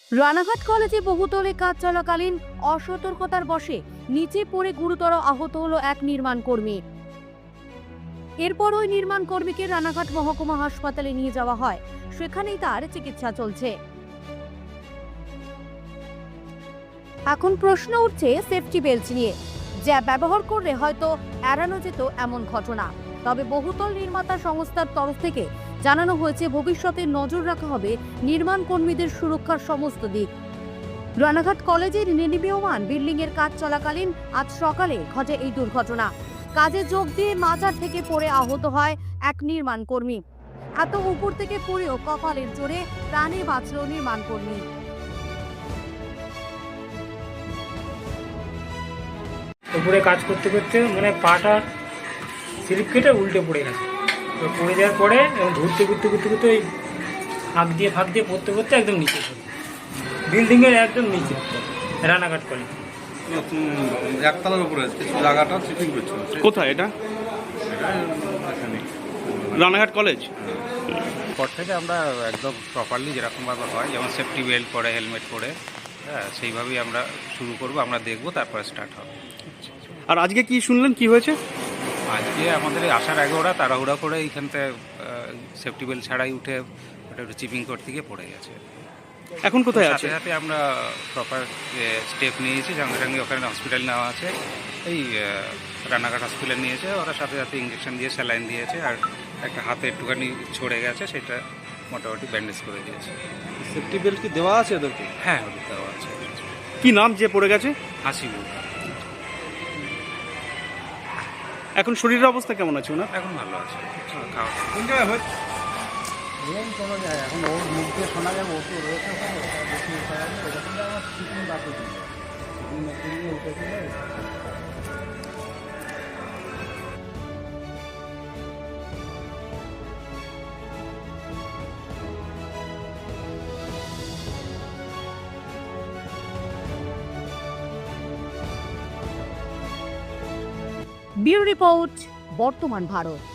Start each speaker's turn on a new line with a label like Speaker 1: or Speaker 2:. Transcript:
Speaker 1: রানাঘাট কলেজে বহুতলে কাজ চলাকালীন অসতর্কতার বশে নিচে পড়ে গুরুতর আহত হলো এক নির্মাণ কর্মী। এরপর ওই নির্মাণ কর্মীকে রানাঘাট মহকুমা হাসপাতালে নিয়ে যাওয়া হয়, সেখানেই তার চিকিৎসা চলছে। এখন প্রশ্ন উঠছে সেফটি বেল্ট নিয়ে, যা ব্যবহার করলে হয়তো এড়ানো যেত এমন ঘটনা। তবে বহুতল নির্মাতা সংস্থার তরফ থেকে জানানো হয়েছে ভবিষ্যতে নজর রাখা হবে নির্মাণ কর্মীদের সুরক্ষার সমস্ত দিক। রানাঘাট কলেজের নির্মীয়মান বিল্ডিং এর কাজ চলাকালীন আজ সকালে ঘটে এই দুর্ঘটনা। কাজে যোগ দিয়ে মাজার থেকে পড়ে আহত হয় এক নির্মাণ কর্মী। এত উপর থেকে পড়েও কপালের জোরে প্রাণে বাঁচল নির্মাণ কর্মী।
Speaker 2: উপরে কাজ করতে করতে মানে পাটা স্লিপ কেটে উল্টে পড়ে গেছে। তো পড়ে যাওয়ার পরে এবং ঘুরতে ওই ফাঁক দিয়ে পড়তে একদম নিচে পড়ে, বিল্ডিংয়ের একদম নিচে, রানাঘাট কলেজ
Speaker 3: একতলার উপরে জায়গাটা চিপিং করছিল।
Speaker 4: কোথায় এটা? রানাঘাট কলেজ।
Speaker 5: পর থেকে আমরা একদম প্রপারলি যেরকমভাবে হয়, যেমন সেফটি বেল্ট পরে, হেলমেট পরে, হ্যাঁ সেইভাবেই আমরা শুরু করব। আমরা দেখব, তারপরে স্টার্ট হবে।
Speaker 4: আর আজকে কি শুনলেন, কি হয়েছে?
Speaker 5: আজকে আমাদের আসার আগে ওরা তাড়াহুড়া করে এইখানতে সেফটি বেল্ট ছাড়াই উঠে ওটা একটু চিপিং করতে গিয়ে পড়ে গেছে।
Speaker 4: এখন কোথায় আছে?
Speaker 5: সাথে সাথে আমরা প্রপার স্টেপ নিয়েছি, সঙ্গে সঙ্গে ওখানে হসপিটাল নেওয়া আছে। এই রানাঘাট হসপিটাল নিয়েছে, ওরা সাথে সাথে ইঞ্জেকশন দিয়ে স্যালাইন দিয়েছে, আর একটা হাতে একটুখানি ছড়ে গেছে, সেটা মোটামুটি ব্যান্ডেজ করে দিয়েছে।
Speaker 3: সেফটি বেল্ট কি দেওয়া আছে ওদেরকে?
Speaker 5: হ্যাঁ, ওদের দেওয়া আছে।
Speaker 4: কি নাম যে পড়ে গেছে?
Speaker 5: হাসিবুল।
Speaker 4: এখন শরীরের অবস্থা কেমন আছে ওনার?
Speaker 5: এখন ভালো আছে, খাওয়া
Speaker 3: কোন জায়গায় হয়?
Speaker 6: এখন ওর মুখ দিয়ে শোনা যাবে ও তো রয়েছে ওখানে, বেশি উঠা যাবে এরকম আমার চিকেন বাকি দিল চিকেন মেশিন দিয়ে উঠেছিল।
Speaker 1: ব্যুরো রিপোর্ট, বর্তমান ভারত।